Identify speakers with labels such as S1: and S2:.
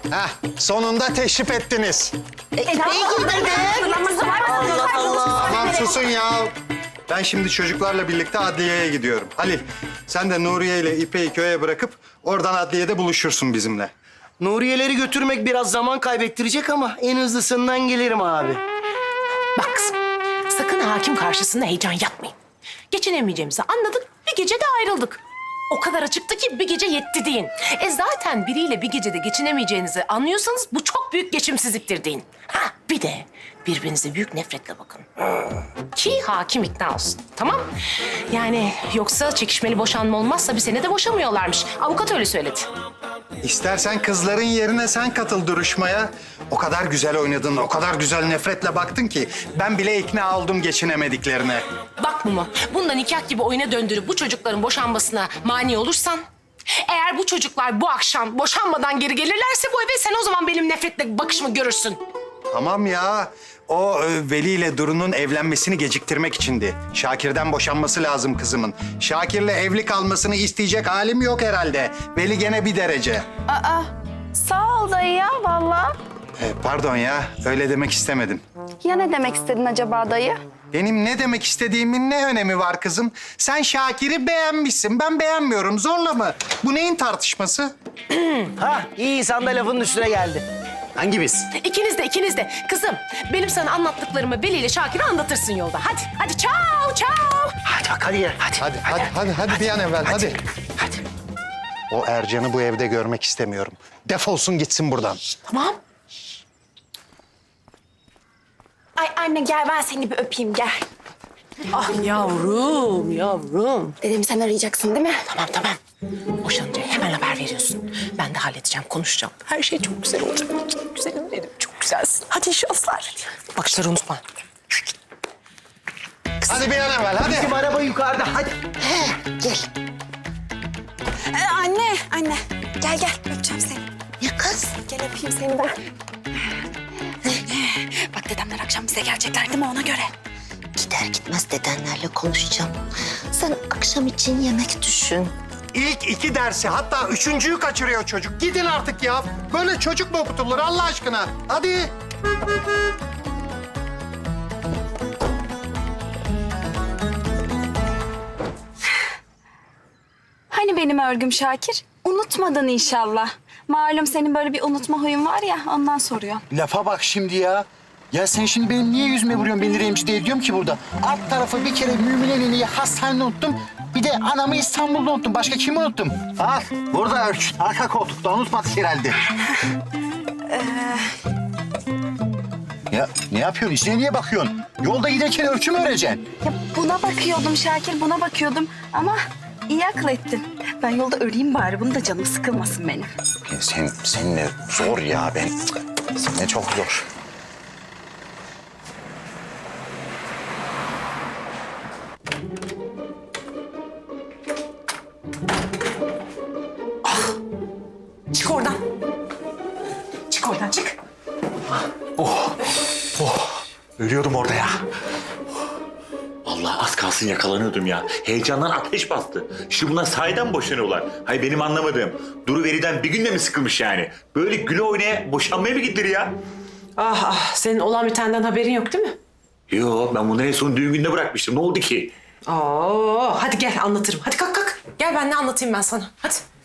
S1: Heh, sonunda teşrif ettiniz.
S2: Allah Allah.
S1: Tamam susun ya. Ben şimdi çocuklarla birlikte adliyeye gidiyorum. Halil, sen de Nuriye ile İpek'i köye bırakıp oradan adliyede buluşursun bizimle.
S2: Nuriyeleri götürmek biraz zaman kaybettirecek ama en hızlısından gelirim abi.
S3: Bak kızım, sakın hakim karşısında heyecan yapmayın. Geçinemeyeceğimizi anladık, bir gecede ayrıldık. O kadar açıktı ki bir gece yetti deyin. Zaten biriyle bir gecede geçinemeyeceğinizi anlıyorsanız bu çok büyük geçimsizliktir deyin. Ha bir de birbirinize büyük nefretle bakın. Ki hakim ikna olsun, tamam? Yani yoksa çekişmeli boşanma olmazsa bir senede boşamıyorlarmış. Avukat öyle söyledi.
S1: İstersen kızların yerine sen katıl duruşmaya. O kadar güzel oynadın, o kadar güzel nefretle baktın ki ben bile ikna oldum geçinemediklerine.
S3: Bak Mumu, bundan nikah gibi oyuna döndürüp bu çocukların boşanmasına mani olursan... Eğer bu çocuklar bu akşam boşanmadan geri gelirlerse bu eve sen o zaman benim nefretle bakışımı görürsün.
S1: Tamam ya. O Veli ile Duru'nun evlenmesini geciktirmek içindi. Şakir'den boşanması lazım kızımın. Şakir'le evli kalmasını isteyecek halim yok herhalde. Veli gene bir derece.
S4: Aa, sağ ol dayı ya vallahi.
S1: Pardon ya, öyle demek istemedim.
S4: Ya ne demek istedin acaba dayı?
S1: Benim ne demek istediğimin ne önemi var kızım? Sen Şakir'i beğenmişsin, ben beğenmiyorum. Zorla mı? Bu neyin tartışması?
S2: Ha iyi insan da lafının üstüne geldi. Hangi biz?
S3: İkiniz de. Kızım, benim sana anlattıklarımı Veli ile Şakir'e anlatırsın yolda. Hadi çao.
S2: Hadi bak hadi ya hadi.
S1: Hadi bir an evvel, hadi.
S2: Hadi.
S1: O Ercan'ı bu evde görmek istemiyorum. Defolsun gitsin buradan.
S3: Tamam.
S4: Ay anne gel ben seni bir öpeyim gel.
S3: Ah yavrum.
S4: Dedim sen arayacaksın değil mi?
S3: Tamam. Boşanınca hemen haber veriyorsun. Ben de halledeceğim, konuşacağım. Her şey çok güzel olacak. Çok güzelim benim, çok güzelsin. Hadi inşallah. Bakışları unutma.
S1: Hadi bir an evvel, hadi.
S2: Bizim araba yukarıda hadi.
S4: Anne gel öpeceğim seni.
S3: Ya kız?
S4: Gel öpeyim seni ben. Bak dedemler akşam bize gelecekler değil mi ona göre?
S5: Gider gitmez dedenlerle konuşacağım. Sen akşam için yemek düşün.
S1: İlk 2 dersi, hatta 3.'yü kaçırıyor çocuk. Gidin artık ya. Böyle çocuk mu okutulur Allah aşkına? Hadi.
S4: Hani benim örgüm Şakir? Unutmadın inşallah. Malum senin böyle bir unutma huyun var ya ondan soruyor.
S6: Lafa bak şimdi ya. Ya sen şimdi benim niye yüzüme vuruyorsun beni rencide ediyorum ki burada? Alt tarafı bir kere Mümine Nene'yi hastanede unuttum. Bir de anamı İstanbul'da unuttum. Başka kimi unuttum? Al burada arka koltukta unutmadık herhalde. Ya ne yapıyorsun? İçine niye bakıyorsun? Yolda giderken ölçü mü öreceksin?
S4: Ya buna bakıyordum Şakir buna bakıyordum ama iyi akıl ettin. Ben yolda öleyim bari bunu da canım sıkılmasın benim.
S6: Seninle zor ya ben. Seninle çok zor.
S3: Çık oradan. Çık.
S7: Ölüyordum orada ya. Vallahi az kalsın yakalanıyordum ya. Heyecandan ateş bastı. Şimdi bunlar sahiden boşanıyorlar. Hayır benim anlamadığım. Duru Veli'den bir günde mi sıkılmış yani? Böyle güle oynaya boşanmaya mı gidilir ya?
S3: Senin olan bitenden haberin yok değil mi?
S7: Yo ben bunu en son düğün gününe bırakmıştım. Ne oldu ki?
S3: Hadi gel anlatırım. Hadi kalk. Gel ben ne anlatayım ben sana. Hadi.